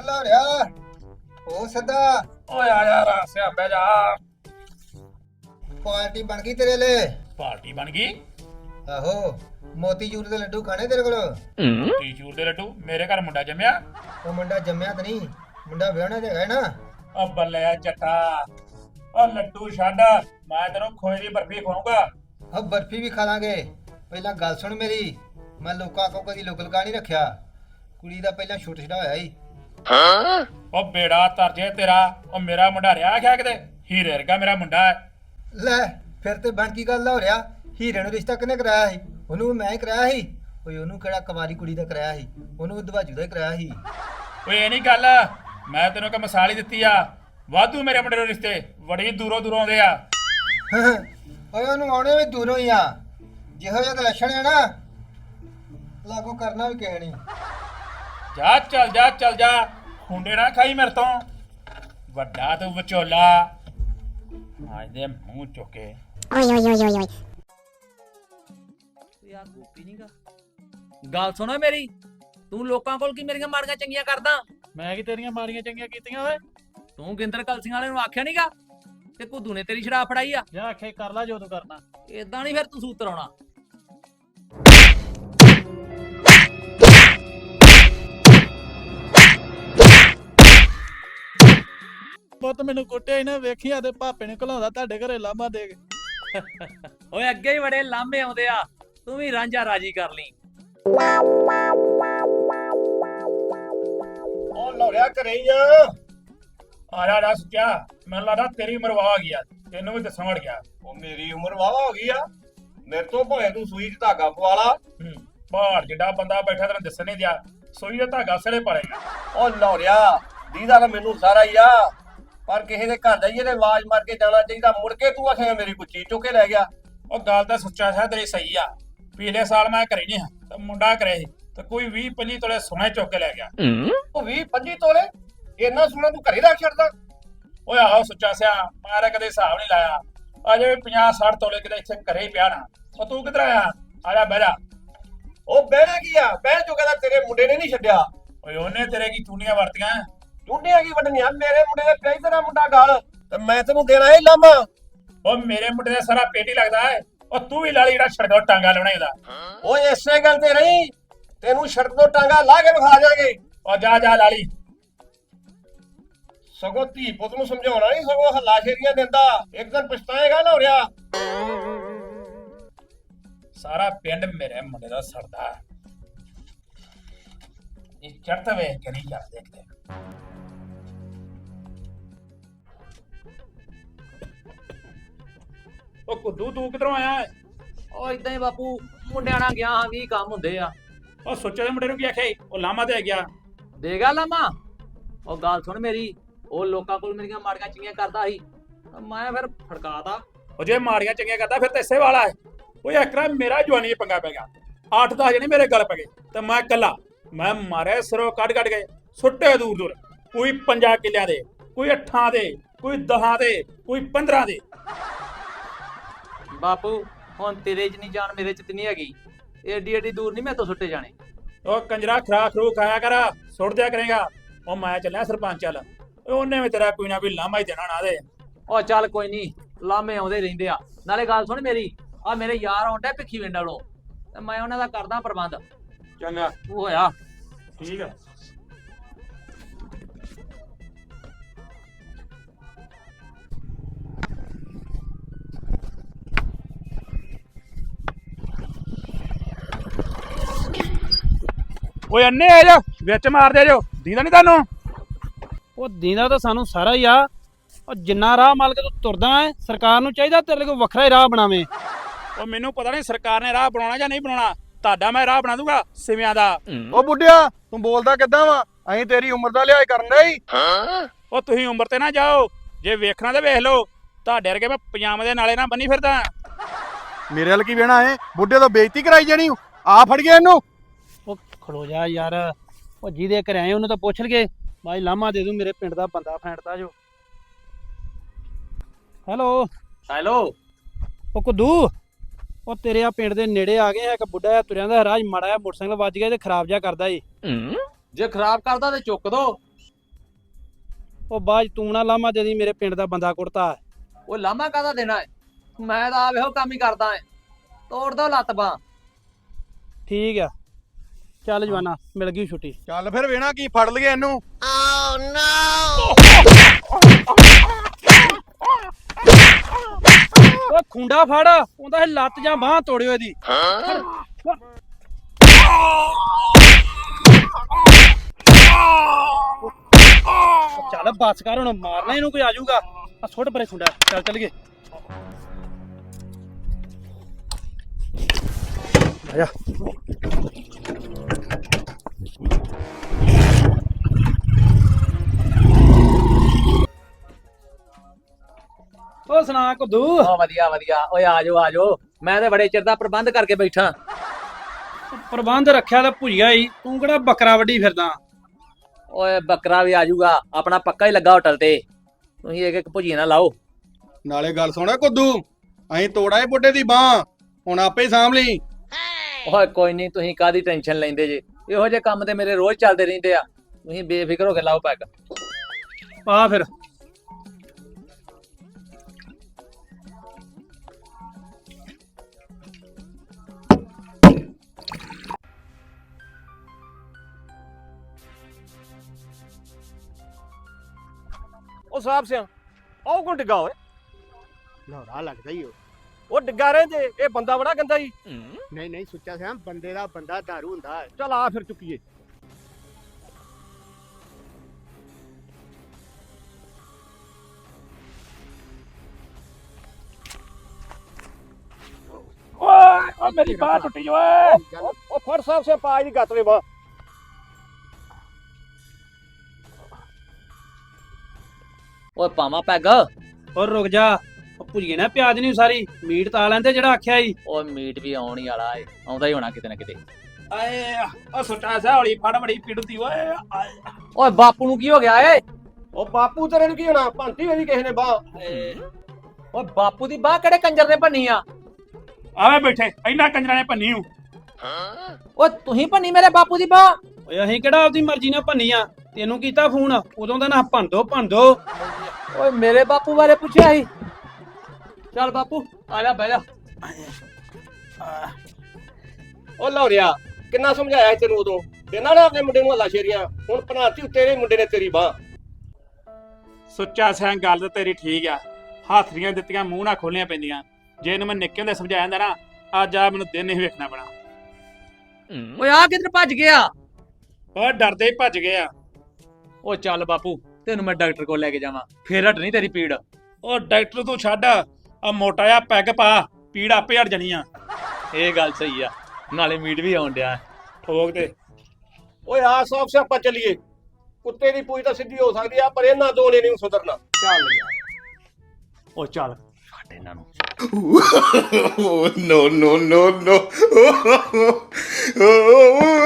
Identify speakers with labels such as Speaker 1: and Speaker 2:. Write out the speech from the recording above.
Speaker 1: ਲਾ ਰਿਆ ਉਹ ਸਦਾ
Speaker 2: ਓਏ ਆ ਜਾ ਰਾਸਿਆ ਬਹਿ ਜਾ।
Speaker 1: ਪਾਰਟੀ ਬਣ ਗਈ ਤੇਰੇ ਲਈ।
Speaker 2: ਪਾਰਟੀ ਬਣ ਗਈ।
Speaker 1: ਆਹੋ ਮੋਤੀਚੂਰ ਦੇ ਲੱਡੂ ਖਾਣੇ ਤੇਰੇ ਕੋਲ।
Speaker 2: ਮੋਤੀਚੂਰ ਦੇ ਲੱਡੂ? ਮੇਰੇ ਘਰ ਮੁੰਡਾ ਜੰਮਿਆ।
Speaker 1: ਉਹ ਮੁੰਡਾ ਜੰਮਿਆ ਤਾਂ ਨਹੀਂ, ਮੁੰਡਾ ਵਿਆਹਣਾ ਤੇ ਹੈ ਨਾ।
Speaker 2: ਓ ਬੱਲੇ ਜੱਟਾ, ਓ ਲੱਡੂ ਛੱਡ, ਮੈਂ ਤੈਨੂੰ ਖੋਏ ਦੀ ਬਰਫੀ ਖਵਾਉਂਗਾ।
Speaker 1: ਆ ਬਰਫੀ ਵੀ ਖਾ ਲਾਂਗੇ। ਪਹਿਲਾਂ ਗੱਲ ਸੁਣ ਮੇਰੀ, ਮੈਂ ਲੋਕਾਂ ਕੋ ਕਦੀ ਲੁਕਲਕਾ ਨਹੀਂ ਰੱਖਿਆ। ਕੁੜੀ ਦਾ ਪਹਿਲਾਂ ਛੁੱਟ ਛੜਾ ਹੋਇਆ ਸੀ।
Speaker 2: ਓ ਬੇੜਾ ਤਰਜੇ ਤੇਰਾ, ਓ ਮੇਰਾ ਮੁੰਡਾ ਰਿਹਾ ਗਿਆ ਕਿਤੇ? ਹੀਰੇ ਵਰਗਾ ਮੇਰਾ ਮੁੰਡਾ ਹੈ।
Speaker 1: ਲੈ ਫਿਰ ਤੇ ਬਣ ਕੀ ਗੱਲ ਹੋ ਰਿਹਾ? ਹੀਰੇ ਨੂੰ ਰਿਸ਼ਤਾ ਕਿਹਨੇ ਕਰਾਇਆ ਸੀ? ਉਹਨੂੰ ਮੈਂ ਹੀ ਕਰਾਇਆ ਸੀ। ਓਏ ਉਹਨੂੰ ਕਿਹੜਾ ਕੁਵਾਰੀ ਕੁੜੀ ਦਾ ਕਰਾਇਆ ਸੀ? ਉਹਨੂੰ ਦਵਾਜੂ ਦਾ ਹੀ ਕਰਾਇਆ ਸੀ।
Speaker 2: ਓਏ ਇਹ ਨਹੀਂ ਗੱਲ, ਮੈਂ ਤੈਨੂੰ ਇੱਕ ਮਿਸਾਲ ਹੀ ਦਿੱਤੀ ਆ। ਵਾਧੂ ਮੇਰੇ ਮੁੰਡੇ ਨੂੰ ਰਿਸ਼ਤੇ ਬੜੀ ਦੂਰੋਂ ਦੂਰੋਂ ਆਉਂਦੇ ਆ।
Speaker 1: ਓਏ ਉਹਨੂੰ ਆਉਣੇ ਵੀ ਦੂਰੋਂ ਹੀ ਆ। ਜਿਹੋ ਜਿਹਾ ਲੱਛਣ ਹੈ ਨਾ, ਲਾਗੂ ਕਰਨਾ ਵੀ ਕਿਸੇ ਨਹੀਂ।
Speaker 2: ਜਾ ਚੱਲ ਜਾ ਚੱਲ ਜਾ, ਖੁੰਡੇ ਨਾ ਖਾਈ ਮੇਰੇ ਤੋਂ। ਵੱਡਾ ਤੂੰ ਵਿਚੋਲਾ, ਅੱਜ ਦੇ ਮੂੰਹ ਚੁੱਕੇ।
Speaker 3: ਓਏ ਯਾਰ ਗੋਪੀ ਨੀਗਾ। ਗੱਲ ਸੁਣੋ ਮੇਰੀ, ਤੂੰ ਲੋਕਾਂ ਕੋਲ ਕੀ ਮੇਰੀਆਂ ਮਾੜੀਆਂ ਚੰਗੀਆਂ ਕਰਦਾ?
Speaker 4: ਮੈਂ ਕੀ ਤੇਰੀਆਂ ਮਾੜੀਆਂ ਚੰਗੀਆਂ ਕੀਤੀਆਂ ਓਏ?
Speaker 3: ਤੂੰ ਗਿੰਦਰ ਕਲਸੀਆਂ ਵਾਲੇ ਨੂੰ ਆਖਿਆ ਨੀਗਾ ਤੇ ਕੁੱਦੂ ਨੇ ਤੇਰੀ ਸ਼ਰਾਬ ਫੜਾਈ ਆ।
Speaker 4: ਜਾ ਆਖੇ ਕਰ ਲੈ ਜੋ ਤੂੰ ਕਰਨਾ।
Speaker 3: ਏਦਾਂ ਨਹੀਂ ਫਿਰ ਤੂੰ ਸੂਤਰ ਆਉਣਾ।
Speaker 4: ਪੁੱਤ ਮੈਨੂੰ ਕੁੱਟਿਆ ਹੀ ਨਾ ਵੇਖੀ ਆ ਤੇ ਭਾਪੇ ਨੇ ਘਲਾਉਂਦਾ ਤੁਹਾਡੇ ਘਰੇ ਲਾਮਾ ਦੇ ਕੇ।
Speaker 3: ਓਏ ਅੱਗੇ ਹੀ ਬੜੇ ਲਾਂਭੇ ਆਉਂਦੇ ਆ, ਤੂੰ ਵੀ ਰਾਂਝਾ ਰਾਜੀ ਕਰ ਲਈ।
Speaker 2: ਉਹ ਲੋੜਿਆ ਘਰੇ ਹੀ ਆ ਜਾ ਦੱਸ ਕਿਆ? ਮੈਨੂੰ ਲੱਗਦਾ ਤੇਰੀ ਉਮਰ ਵਾਹ ਗਈ ਆ, ਤੈਨੂੰ ਵੀ ਦੱਸਣ ਵੜ ਗਿਆ।
Speaker 5: ਉਹ ਮੇਰੀ ਉਮਰ ਵਾਵਾ ਹੋ ਗਈ ਆ। ਮੇਰੇ ਤੋਂ ਭਾਵੇਂ ਤੂੰ ਸੂਈ 'ਚ ਧਾਗਾ ਪਵਾ ਲਾ।
Speaker 2: ਪਹਾੜ ਜਿੱਡਾ ਬੰਦਾ ਬੈਠਾ ਤੈਨੂੰ ਦੱਸਣ ਨਹੀਂ ਦਿਆ, ਸੋਈ ਦਾ ਧਾਗਾ ਸੜੇ ਪਾੜੇਗਾ।
Speaker 5: ਉਹ ਲੌੜਿਆ ਦੀਦਾ ਤਾਂ ਮੈਨੂੰ ਸਾਰਾ ਹੀ ਆ, ਪਰ ਕਿਸੇ ਦੇ ਘਰ ਜਾਈਏ ਤੇ ਆਵਾਜ਼ ਮਾਰ ਕੇ ਜਾਣਾ ਚਾਹੀਦਾ। ਮੁੜ ਕੇ ਤੂੰ ਆਖੇਗਾ ਮੇਰੀ ਕੋਈ ਚੀਜ਼ ਚੁੱਕ ਕੇ ਲੈ ਗਿਆ।
Speaker 2: ਉਹ ਗੱਲ ਤਾਂ ਸੱਚਾ ਹੈ ਤੇਰੀ ਸਹੀ ਆ। ਪਿਛਲੇ ਸਾਲ ਮੈਂ ਘਰੇ ਨਹੀਂ ਹਾਂ ਤੇ ਮੁੰਡਾ ਘਰੇ ਸੀ ਤੇ ਕੋਈ 20-25 ਤੋਲੇ ਸੋਨਾ ਚੁੱਕ ਕੇ ਲੈ ਗਿਆ।
Speaker 5: ਉਹ 20-25 ਤੋਲੇ ਇੰਨਾ ਸੋਨਾ ਤੂੰ ਘਰੇ ਰੱਖ ਛੱਡਦਾ?
Speaker 2: ਓਏ ਆਹੋ ਸੱਚਾ ਸਿਆ, ਮੈਂ ਤਾਂ ਕਦੇ ਹਿਸਾਬ ਨਹੀਂ ਲਾਇਆ। ਅਜੇ 50-60 ਤੋਲੇ ਕਿਤੇ ਇੱਥੇ ਘਰੇ ਹੀ ਪਿਆ ਨਾ। ਉਹ ਤੂੰ ਕਿੱਧਰ ਆਇਆ? ਆ ਜਾ ਬਹਿ ਜਾ।
Speaker 5: ਉਹ ਬਹਿਣਾ ਕੀ ਆ? ਬਹਿਣ ਚੁੱਕਾ ਤਾਂ ਤੇਰੇ ਮੁੰਡੇ ਨੇ ਨਹੀਂ ਛੱਡਿਆ।
Speaker 2: ਓਏ ਉਹਨੇ ਤੇਰੇ ਕੀ ਚੂੜੀਆਂ ਵਰਤੀਆਂ?
Speaker 5: ਚੁੰਡੀਆਂ ਕੀ ਵੱਢਣੀਆਂ? ਮੇਰੇ ਮੁੰਡੇ ਦੇ ਪਿਆ ਤੇਰਾ ਮੁੰਡਾ ਗਾਲ ਤੇ ਮੈਂ ਤੈਨੂੰ ਦੇਣਾ ਇਹ ਲਾਮਾ।
Speaker 2: ਉਹ ਮੇਰੇ ਮੁੰਡੇ ਦਾ ਸਾਰਾ ਪੇਟ ਹੀ ਲੱਗਦਾ ਹੈ। ਉਹ ਤੂੰ ਵੀ ਲਾਲੀ ਜਿਹੜਾ ਛੜਕੋ ਟਾਂਗਾ ਲਾਉਣਾ ਇਹਦਾ।
Speaker 5: ਓਏ ਇਸੇ ਗੱਲ ਤੇ ਰਹੀ, ਤੈਨੂੰ ਸੜਕ ਤੋਂ ਟਾਂਗਾ ਲਾ ਕੇ ਵਿਖਾ ਜਾਗੇ।
Speaker 2: ਉਹ ਜਾ ਜਾ ਲਾਲੀ।
Speaker 5: ਸਗੋਂ ਧੀ ਪੁੱਤ ਨੂੰ ਸਮਝਾਉਣਾ ਨਹੀਂ, ਸਗੋਂ ਹੱਲਾ ਸ਼ੇਰੀਆਂ ਦਿੰਦਾ। ਇੱਕ ਦਿਨ ਪਛਤਾਏਗਾ ਨਾ ਹੋ ਰਿਹਾ।
Speaker 2: ਸਾਰਾ ਪਿੰਡ ਮੇਰੇ ਮੁੰਡੇ ਦਾ ਸੜਦਾ। ਇਹ ਚੜ੍ਹਤ ਵੇਖ ਕੇ ਨਹੀਂ ਜਾਂਦੇ ਕਿਤੇ। ਉਹ ਕੁੱਦੂ ਤੂੰ ਕਿਧਰੋਂ ਆਇਆ ਹੈ?
Speaker 3: ਓ ਇਦਾਂ ਹੀ ਬਾਪੂ, ਮੁੰਡਿਆਂ ਨਾਲ ਗਿਆ ਹਾਂ, 20 ਕੰਮ ਹੁੰਦੇ ਆ।
Speaker 2: ਉਹ ਸੋਚੇ ਦੇ ਮੁੰਡੇ ਨੂੰ ਕੀ ਆਖਿਆ ਈ? ਉਹ ਲਾਮਾ ਤੇ ਗਿਆ।
Speaker 3: ਦੇਗਾ ਲਾਮਾ? ਉਹ ਗੱਲ ਸੁਣ ਮੇਰੀ, ਉਹ ਲੋਕਾਂ ਕੋਲ ਮੇਰੀਆਂ ਮਾੜੀਆਂ ਚੰਗੀਆਂ ਕਰਦਾ ਸੀ, ਮੈਂ ਫਿਰ ਫੜਕਾਤਾ।
Speaker 2: ਉਹ ਜੇ ਮਾੜੀਆਂ ਚੰਗੀਆਂ ਕਰਦਾ ਫਿਰ ਤਾਂ ਇਸੇ ਵਾਲਾ ਹੈ। ਉਹ ਇੱਕ ਵਾਰ ਮੇਰਾ ਜਵਾਨੀ ਪੰਗਾ ਪੈ ਗਿਆ। 8-10 ਜਣੇ ਮੇਰੇ ਗਲ ਪੈ ਗਏ ਤੇ ਮੈਂ ਇਕੱਲਾ। ਮੈਂ ਮਾਰੇ ਸਿਰੋਂ ਕੱਢ ਗਏ, ਸੁੱਟੇ ਦੂਰ ਦੂਰ। ਕੋਈ 5 ਕਿੱਲਿਆਂ ਦੇ, ਕੋਈ 8 ਦੇ, ਕੋਈ 10 ਦੇ, ਕੋਈ 15 ਦੇ।
Speaker 3: ਬਾਪੂ ਹੁਣ ਤੇਰੇ 'ਚ ਨਹੀਂ ਜਾਨ, ਮੇਰੇ 'ਚ ਤੇ ਨਹੀਂ ਹੈਗੀ। ਏਡੀ ਏਡੀ ਦੂਰ ਨਹੀਂ ਮੈਂ ਤੋਂ ਸੁੱਟੇ ਜਾਣੇ।
Speaker 2: ਉਹ ਕੰਜਰਾ ਖਰਾ ਖਰੂ ਖਾਇਆ ਕਰ, ਸੁੱਟ ਦਿਆ ਕਰੇਗਾ। ਉਹ ਮੈਂ ਚੱਲਿਆ ਸਰਪੰਚ ਵੱਲ, ਉਹਨੇ ਵੀ ਤੇਰਾ ਕੋਈ ਨਾ ਕੋਈ ਲਾਮਾ ਹੀ ਦੇਣਾ ਨਾ ਦੇ।
Speaker 3: ਉਹ ਚੱਲ ਕੋਈ ਨਹੀਂ, ਲਾਮੇ ਆਉਂਦੇ ਰਹਿੰਦੇ ਆ। ਨਾਲੇ ਗੱਲ ਸੁਣ ਮੇਰੀ, ਆ ਮੇਰੇ ਯਾਰ ਆਉਂਦੇ ਭਿੱਖੀ ਵਿੰਡ ਵਾਲੋਂ, ਤੇ ਮੈਂ ਉਹਨਾਂ ਦਾ ਕਰਦਾ ਪ੍ਰਬੰਧ।
Speaker 2: ਚੰਗਾ
Speaker 3: ਉਹ ਹੋਇਆ
Speaker 2: ਠੀਕ ਆ। ਓਏ ਅੰਨੇ ਆ ਜਾ ਵਿੱਚ ਮਾਰ ਦੇ ਜੋ, ਦੀਦਾ ਨਹੀਂ ਤੁਹਾਨੂੰ?
Speaker 4: ਉਹ ਦੀਨਾ ਤਾਂ ਸਾਨੂੰ ਸਾਰਾ ਹੀ ਆ। ਉਹ ਜਿੰਨਾ ਰਾਹ ਮਲ ਕੇ ਤੂੰ ਤੁਰਦਾ ਹੈ, ਸਰਕਾਰ ਨੂੰ ਚਾਹੀਦਾ ਤੇਰੇ ਕੋਲ ਵੱਖਰਾ ਹੀ ਰਾਹ ਬਣਾਵੇ।
Speaker 2: ਉਹ ਮੈਨੂੰ ਪਤਾ ਨਹੀਂ ਸਰਕਾਰ ਨੇ ਰਾਹ ਬਣਾਉਣਾ ਜਾਂ ਨਹੀਂ ਬਣਾਉਣਾ। ਤੁਹਾਡਾ ਮੈਂ ਰਾਹ ਬਣਾ ਦੂੰਗਾ ਸਿਵਿਆਂ ਦਾ।
Speaker 5: ਉਹ ਬੁੱਢਿਆ ਤੂੰ ਬੋਲਦਾ ਕਿੱਦਾਂ ਵਾ? ਅਸੀਂ ਤੇਰੀ ਉਮਰ ਦਾ ਲਿਹਾਜ਼ ਕਰਨ ਦੇ ਹੀ।
Speaker 2: ਉਹ ਤੁਸੀਂ ਉਮਰ ਤੇ ਨਾ ਜਾਓ, ਜੇ ਵੇਖਣਾ ਤੇ ਵੇਖ ਲਓ। ਤੁਹਾਡੇ ਵਰਗੇ ਮੈਂ ਪਜਾਮੇ ਦੇ ਨਾਲੇ ਨਾ ਬੰਨੀ ਫਿਰਦਾ।
Speaker 5: ਮੇਰੇ ਵੱਲ ਕੀ ਵੇਣਾ ਹੈ? ਬੁੱਢੇ ਤੋਂ ਬੇਇੱਜ਼ਤੀ ਕਰਾਈ ਜਾਣੀ। ਆ ਫੜ ਗਿਆ ਇਹਨੂੰ।
Speaker 4: ਉਹ ਖੜੋ ਜਾ ਯਾਰ, ਉਹ ਜਿਹਦੇ ਘਰੇ ਆਏ ਉਹਨੂੰ ਤਾਂ ਪੁੱਛ ਲਗੇ। ਭਾਈ ਲਾਮਾ ਦੇ ਦੂੰ, ਮੇਰੇ ਪਿੰਡ ਦਾ ਬੰਦਾ ਫੈਂਟਦਾ ਜੋ। Hello
Speaker 3: hello.
Speaker 4: ਉਹ ਕੁੱਦੂ, ਉਹ ਤੇਰੇ ਆ ਪਿੰਡ ਦੇ ਨੇੜੇ ਆ ਗਏ। ਇੱਕ ਬੁੱਢਾ ਜਿਹਾ ਤੁਰਿਆਂ ਦਾ ਰਾਜ ਮਾੜਾ ਜਿਹਾ ਮੋਟਰਸਾਈਕਲ ਵੱਜ ਗਿਆ ਤੇ ਖਰਾਬ ਜਿਹਾ ਕਰਦਾ ਈ।
Speaker 3: ਜੇ ਖਰਾਬ ਕਰਦਾ ਤੇ ਚੁੱਕ ਦੋ।
Speaker 4: ਉਹ ਬਾਅਦ 'ਚ ਤੂੰ ਨਾ ਲਾਮਾ ਦੇ ਦੀ ਮੇਰੇ ਪਿੰਡ ਦਾ ਬੰਦਾ ਕੁੜਤਾ।
Speaker 3: ਉਹ ਲਾਮਾ ਕਾਹਦਾ ਦੇਣਾ ਹੈ? ਮੈਂ ਤਾਂ ਆਪ ਇਹੋ ਕੰਮ ਹੀ ਕਰਦਾ ਐ। ਤੋੜ ਦੋ ਲੱਤ ਬਾਂਹ।
Speaker 4: ਠੀਕ ਆ, ਚੱਲ ਜਵਾਨਾ ਮਿਲ ਗਈ ਛੁੱਟੀ।
Speaker 6: ਚੱਲ ਫਿਰ ਵੇਣਾ ਕੀ ਫੜ ਲਈਏ ਇਹਨੂੰ।
Speaker 4: ਓ ਖੁੰਡਾ ਫੜ, ਉਹਦਾ ਇਹ ਲੱਤ ਜਾਂ ਬਾਹ ਤੋੜਿਓ ਇਹਦੀ। ਚੱਲ ਬੱਸ ਕਰ, ਹੁਣ ਮਾਰਨਾ ਇਹਨੂੰ ਕੋਈ ਆ ਜਾਊਗਾ। ਆ ਸੁੱਟ ਪਰੇ ਖੁੰਡਾ, ਚੱਲ ਚੱਲ ਗਏ। ਆਜਾ। ਓ ਸੁਣਾ ਕੁੱਦੂ।
Speaker 3: ਓ ਵਧੀਆ ਵਧੀਆ। ਓਏ ਆ ਜਾਓ ਮੈਂ ਤੇ ਬੜੇ ਚਿਰ ਦਾ ਪ੍ਰਬੰਧ ਕਰਕੇ ਬੈਠਾ।
Speaker 4: ਪ੍ਰਬੰਧ ਰੱਖਿਆ ਤਾਂ ਭੁਜੀਆ ਹੀ, ਤੂੰ ਕਿਹੜਾ ਬੱਕਰਾ ਵੱਢੀ ਫਿਰਦਾ।
Speaker 3: ਓਏ ਬੱਕਰਾ ਵੀ ਆ ਜਾਊਗਾ, ਆਪਣਾ ਪੱਕਾ ਹੀ ਲੱਗਾ ਹੋਟਲ ਤੇ। ਤੁਸੀਂ ਇੱਕ ਇੱਕ ਭੁਜੀਆ ਨਾ ਲਾਓ।
Speaker 6: ਨਾਲੇ ਗੱਲ ਸੁਣਾ ਕੁੱਦੂ, ਅਸੀਂ ਤੋੜਾ ਏ ਬੁੱਢੇ ਦੀ ਬਾਹ, ਹੁਣ ਆਪੇ ਹੀ ਸਾਂਭ ਲਈ।
Speaker 3: ਓਏ ਕੋਈ ਨਹੀਂ, ਤੁਸੀਂ ਕਾਹਦੀ ਟੈਨਸ਼ਨ ਲੈਂਦੇ ਜੇ? ਇਹੋ ਜਿਹੇ ਕੰਮ ਤੇ ਮੇਰੇ ਰੋਜ਼ ਚੱਲਦੇ ਰਹਿੰਦੇ ਆ। ਤੁਸੀਂ ਬੇਫਿਕਰ ਹੋ ਕੇ ਲਾਓ ਪੈਗ।
Speaker 4: ਆ ਫਿਰ
Speaker 5: ਉਹ ਸਾਹਿਬ ਸਿਆ ਉਹ ਕੌਣ ਡਿੱਗਾ ਓਏ?
Speaker 7: ਨੌਰਾ ਲੱਗਦਾ ਹੀ
Speaker 5: ਉਹ ਡਿੱਗਾ ਰਹਿੰਦੇ, ਇਹ ਬੰਦਾ ਬੜਾ ਗੰਦਾ ਹੀ।
Speaker 7: ਨਹੀਂ ਨਹੀਂ ਸੁੱਚਾ ਸਿਆ ਬੰਦੇ ਦਾ ਬੰਦਾ ਦਾਰੂ ਹੁੰਦਾ ਹੈ।
Speaker 5: ਚੱਲ ਆ ਫਿਰ ਚੁੱਕੀਏ।
Speaker 2: ਓਏ ਮੇਰੀ ਬਾਹ ਟੁੱਟੀ ਓਏ।
Speaker 5: ਉਹ ਫੜ ਸਾਹਿਬ ਸਿਆ ਪਾਜ ਦੀ ਗੱਤ ਵੇ ਬਾਹ।
Speaker 3: ਓਏ ਪਾਵਾਂ ਪੈਗ।
Speaker 4: ਹੋਰ ਰੁਕ ਜਾ, ਉਹ ਭੁਜੀਏ ਨਾ ਪਿਆਜ ਨਹੀਂ ਸਾਰੀ ਮੀਟ ਤਾਂ ਲੈਂਦੇ ਜਿਹੜਾ ਆਖਿਆ ਸੀ।
Speaker 3: ਓਏ ਮੀਟ ਵੀ ਆਉਣ ਹੀ ਵਾਲਾ ਏ, ਆਉਂਦਾ ਹੀ ਹੋਣਾ ਕਿਤੇ ਨਾ ਕਿਤੇ।
Speaker 2: ਆਏ ਓ ਸੁੱਟਾ ਸਾ ਹੌਲੀ ਫੜ, ਬੜੀ ਪੀੜਦੀ ਓਏ। ਆਏ।
Speaker 3: ਓਏ ਬਾਪੂ ਨੂੰ ਕੀ ਹੋ ਗਿਆ ਏ?
Speaker 5: ਉਹ ਬਾਪੂ ਤੇਰੇ ਨੂੰ ਕੀ ਹੋਣਾ, ਭੰਤੀ ਹੋਈ ਕਿਸੇ ਨੇ ਬਾਹ।
Speaker 3: ਓਏ ਬਾਪੂ ਦੀ ਬਾਹ ਕਿਹੜੇ ਕੰਜਰ ਨੇ ਭੰਨੀ ਆ?
Speaker 2: ਆਵੇ ਬੈਠੇ, ਇੰਨਾ ਕੰਜਰਾਂ ਨੇ ਭੰਨੀ ਹੂੰ।
Speaker 3: ਓਏ ਤੁਸੀਂ ਭੰਨੀ ਮੇਰੇ ਬਾਪੂ ਦੀ ਬਾਹ?
Speaker 4: ਓਏ ਅਸੀਂ ਕਿਹੜਾ ਆਪਦੀ ਮਰਜ਼ੀ ਨਾਲ ਭੰਨੀ ਆ, ਤੈਨੂੰ ਕੀਤਾ ਫੋਨ ਉਦੋਂ ਦਾ ਨਾ ਭੰਨ ਦੋ।
Speaker 3: ਓਏ ਮੇਰੇ ਬਾਪੂ ਬਾਰੇ ਪੁੱਛਿਆ ਸੀ? ਚੱਲ ਬਾਪੂ ਆ ਜਾ ਬਹਿ ਜਾ।
Speaker 5: ਉਹ ਲੌਰਿਆ ਕਿੰਨਾ ਸਮਝਾਇਆ ਸੀ ਤੈਨੂੰ ਉਦੋਂ, ਤੇ ਨਾ ਆਪਣੇ ਮੁੰਡੇ ਨੂੰ ਹੱਲਾ ਸ਼ੇਰੀਆਂ, ਹੁਣ ਭਨਾਤੀ ਤੇਰੇ ਮੁੰਡੇ ਨੇ ਤੇਰੀ ਬਾਹ।
Speaker 2: ਸੁੱਚਾ ਸਿਆਂ ਗੱਲ ਤਾਂ ਤੇਰੀ ਠੀਕ ਆ, ਹਾਥਰੀਆਂ ਦਿੱਤੀਆਂ ਮੂੰਹ ਨਾਲ ਖੋਲੀਆਂ ਪੈਂਦੀਆਂ। ਜੇ ਇਹਨੂੰ ਮੈਂ ਨਿੱਕੇ ਹੁੰਦੇ ਸਮਝਾਇਆ ਹੁੰਦਾ ਨਾ, ਅੱਜ ਆ ਮੈਨੂੰ ਦਿਨ ਨਹੀਂ ਵੇਖਣਾ ਪੈਣਾ।
Speaker 3: ਓਏ ਆ ਕਿੱਧਰ ਭੱਜ ਗਿਆ?
Speaker 2: ਓਏ ਡਰਦੇ ਹੀ ਭੱਜ ਗਏ ਆ।
Speaker 3: ਓ ਚੱਲ ਬਾਪੂ ਤੈਨੂੰ ਮੈਂ ਡਾਕਟਰ ਕੋਲ ਲੈ ਕੇ ਜਾਵਾਂ, ਫੇਰ ਹਟਣੀ ਤੇਰੀ ਪੀੜ।
Speaker 2: ਉਹ ਡਾਕਟਰ ਤੂੰ ਛੱਡ, ਆ ਮੋਟਾ ਜਿਹਾ ਪੈਗ ਪਾ, ਪੀੜ ਆਪੇ ਹਟ ਜਾਣੀ ਆ।
Speaker 3: ਇਹ ਗੱਲ ਸਹੀ ਆ, ਨਾਲੇ ਮੀਟ ਵੀ ਆਉਣ ਡਿਆ।
Speaker 2: ਠੋਕ ਦੇ।
Speaker 5: ਓਏ ਆ ਸੌਫ ਸਿਆਪਾ ਚੱਲੀਏ। ਕੁੱਤੇ ਦੀ ਪੂਛ ਤਾਂ ਸਿੱਧੀ ਹੋ ਸਕਦੀ ਆ, ਪਰ ਇਹਨਾਂ ਦੋ ਨੇ ਨਹੀਂ ਸੁਧਰਨਾ। ਚੱਲ ਯਾਰ।
Speaker 3: ਓ ਚੱਲ ਛੱਡ ਇਹਨਾਂ ਨੂੰ।
Speaker 6: No, no, no, no.